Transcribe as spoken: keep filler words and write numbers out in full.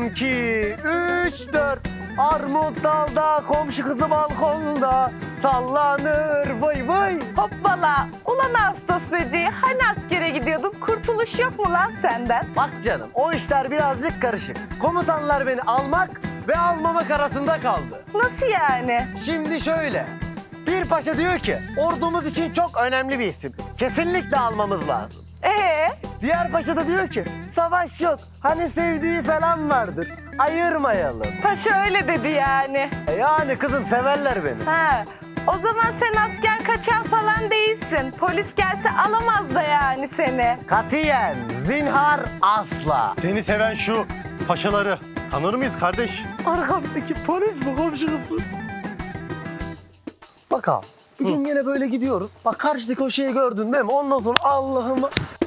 iki, üç, dört. Armut dalda, komşu kızı balkonda sallanır vay vay. Hoppala. Ulan Ağustos böceği, hani askere gidiyordun? Kurtuluş yok mu lan senden? Bak canım, o işler birazcık karışık. Komutanlar beni almak ve almamak arasında kaldı. Nasıl yani? Şimdi şöyle. Bir paşa diyor ki ordumuz için çok önemli bir isim. Kesinlikle almamız lazım. Ee? Diğer paşa da diyor ki savaş yok. Hani sevdiği falan vardır. Ayırmayalım. Paşa öyle dedi yani. E yani kızım severler beni. Ha. O zaman sen asker kaçan falan değilsin. Polis gelse alamaz da yani seni. Katiyen, zinhar asla. Seni seven şu paşaları tanır mıyız kardeş? Arkamdaki polis mi komşu kızı? Bak abi, bir gün yine böyle gidiyoruz. Bak karşıdaki o şeyi gördün değil mi? Ondan sonra Allah'ım